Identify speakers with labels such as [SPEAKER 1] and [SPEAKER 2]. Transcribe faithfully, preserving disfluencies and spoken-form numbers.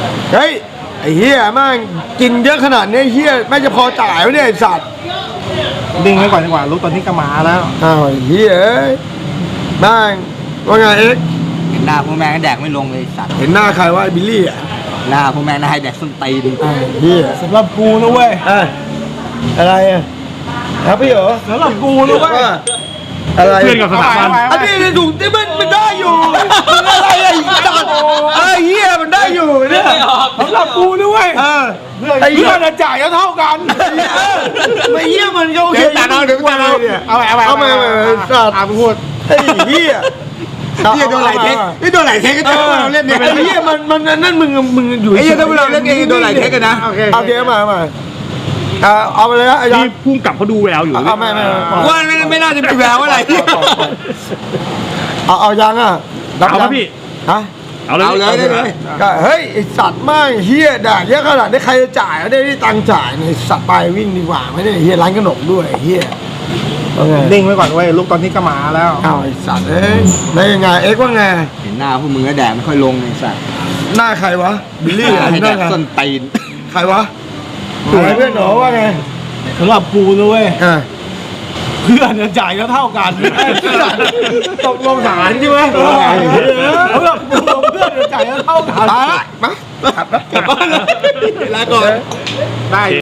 [SPEAKER 1] เฮ้ยไอ้เหี้ยแม่งกินเยอะขนาดนี้เหี้ยแม่งจะพอจ่ายไหมเนี่ยไอ้สัตว์
[SPEAKER 2] ดิ้งไว้ก่อนดีกว่ารู้ตอนนี้ก็มาแล้ว
[SPEAKER 1] อ้าวไอ้เหี้ยเอ้ยแม่งว่าไงเอ็กซ์
[SPEAKER 3] เห็นหน้าพวกแม่งก็แดกไม่ลงเลยสัตว์
[SPEAKER 1] เห็นหน้าใครว่าไอ้บิลลี่อ่ะ
[SPEAKER 3] หน้าพวกแม่งน่าให้แดกส้นตีน
[SPEAKER 1] ไอ้เหี้ย
[SPEAKER 2] สำหรับกูนะเว้ย
[SPEAKER 1] อ่ะอะไรอ่ะครับพี่เหรอ
[SPEAKER 2] สำหรับกูนะเว้ย
[SPEAKER 1] ว่าอะไร
[SPEAKER 4] เพื่อนกับสถาบัน
[SPEAKER 1] อันนี้ในถุงที่มันมันได้อยู่มันอะไรไอ้สัตว์ไอ้เหี้ยมันได้อยู่เนี่ย
[SPEAKER 2] สำหรับกูนะเว้ย
[SPEAKER 1] เออ
[SPEAKER 2] ไอ้เพื่อนจะจ่ายเท่ากัน
[SPEAKER 1] ไอ้เหี้ยมันก็โอเค
[SPEAKER 2] เดี๋ยวตัดเอาเดี๋ยวตัดเอา
[SPEAKER 1] เนี่ย
[SPEAKER 2] เอาไปเอาไป
[SPEAKER 1] เอาไปเอาไปสัตว์
[SPEAKER 2] เอาไปพูด
[SPEAKER 1] ไอ้เหี้ย
[SPEAKER 3] นี่โดนไหลเทคนี่โดนไหลเทคก็
[SPEAKER 1] เอ
[SPEAKER 3] จะ
[SPEAKER 1] อ
[SPEAKER 3] เราเล่นเนี่ย
[SPEAKER 1] ไอ้เหี้ยมันมันนั่นมึงมึงอยู่
[SPEAKER 3] ไอ้เหี้ยถ้าเราเล่นเองโดนไหลเทคกันนะ
[SPEAKER 1] โอเคโอเคมามาเอาเอาไปเลยนะไอ้ยั
[SPEAKER 4] นี่
[SPEAKER 1] ง
[SPEAKER 4] พุ่งกลับเขาดูแววอยู่
[SPEAKER 1] เอาไม่ไม่ไม่
[SPEAKER 3] ว่าไม่ไม่น่าจะมีแววอะไร
[SPEAKER 1] เอาเอายังอ่ะ
[SPEAKER 4] เอาครับพี่
[SPEAKER 1] ฮะ
[SPEAKER 4] เอาเลย
[SPEAKER 3] เอาเลยได้เลย
[SPEAKER 1] ก็เฮ้ยไอสัตว์มากเฮียด่าเยอะขนาดนี้ใครจะจ่ายไม่ได้ที่ตังค์จ่ายเนี่ยสัตว์ไปวิ่งดีกว่าไม่ได้เฮียร้านขนมด้วยเฮียว่าไง
[SPEAKER 2] ดิ้งไว้ก่อนเว้ยรู้ตอนนี้ก็มาแล้ว
[SPEAKER 1] เอาไอสัตว์เอ้ยได้ยังไงเอ็กซ์ว่าไง
[SPEAKER 3] เห็นหน้าพวกมึงก็แดกไม่ค่อยลงเลยสัตว์
[SPEAKER 1] หน้าใครวะบิลลี่
[SPEAKER 3] หน้า
[SPEAKER 1] อะไร
[SPEAKER 3] ให้แด
[SPEAKER 1] นั่น
[SPEAKER 3] ก
[SPEAKER 1] ไง
[SPEAKER 3] ส้นตีน
[SPEAKER 1] ใครวะอะไรเพื่อนหนอว่าไง
[SPEAKER 2] สำหรับกูนะเว้ย
[SPEAKER 1] อ่ะ
[SPEAKER 2] เพื่อนจะจ่ายเท่ากัน
[SPEAKER 1] ตกลงฐานใช่ไหม
[SPEAKER 2] สำหรับกูเพื่อนจะจ่ายเท่ากัน
[SPEAKER 1] มามา
[SPEAKER 3] กลับบ้านเลยลาก่อน
[SPEAKER 2] ได้